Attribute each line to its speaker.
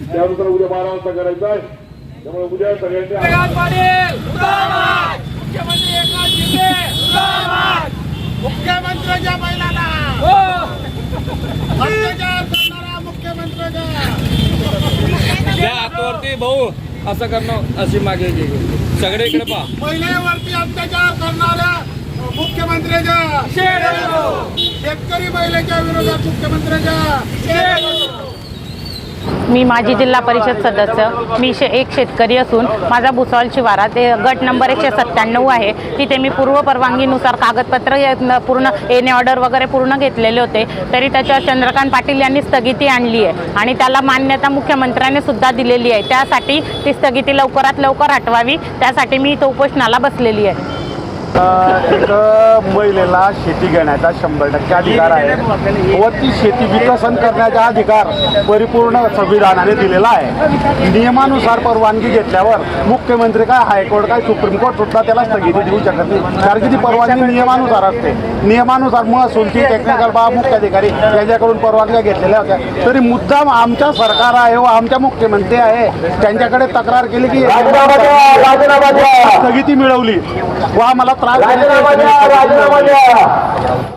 Speaker 1: त्यानुसार उद्या 12 वाजता करायचं आहे। त्यामुळे उद्या सगळ्यांनी
Speaker 2: मुख्यमंत्री एकनाथ शिंदे मुख्यमंत्र्यांच्या बैलाला अत्याचार करणारा मुख्यमंत्र्यांच्या
Speaker 3: हातावरती भाऊ असं करणं अशी मागे सगळे इकडे पहा।
Speaker 2: महिलेवरती अत्याचार करणाऱ्या मुख्यमंत्र्यांच्या शेतकरी महिलेच्या विरोधात मुख्यमंत्र्यांच्या
Speaker 4: मी माजी जिल्हा परिषद सदस्य एक शेतकरी असून माझा भुसावळ शिवारा ते गट नंबर 197 आहे। तिथे मी पूर्व परवानगीनुसार कागदपत्र पूर्ण एने ऑर्डर वगैरे पूर्ण घेतलेले होते, तरी त्याच्यावर चंद्रकांत पाटील यांनी स्थगिती आणली आहे आणि त्याला मान्यता मुख्यमंत्र्यांनी सुद्धा दिलेली आहे। त्यासाठी ती स्थगिती लवकरात लवकर हटवावी, त्यासाठी मी इथं उपोषणाला बसलेली आहे।
Speaker 5: एक महिलेला शेती घेण्याचा 100% अधिकार आहे व ती शेती विकसन करण्याचा अधिकार परिपूर्ण संविधानाने दिलेला आहे। नियमानुसार परवानगी घेतल्यावर मुख्यमंत्री काय हायकोर्ट काय सुप्रीम कोर्ट सुद्धा त्याला स्थगिती देऊ शकत नाही, कारण की ती परवानगी नियमानुसार असते। नियमानुसार महसूलची टेक्निकल बाब मुख्याधिकारी यांच्याकडून परवानग्या घेतलेल्या होत्या, तरी मुद्दाम आमच्या सरकार आहे व आमच्या मुख्यमंत्री आहे त्यांच्याकडे तक्रार केली की स्थगिती मिळवली व आम्हाला त्रास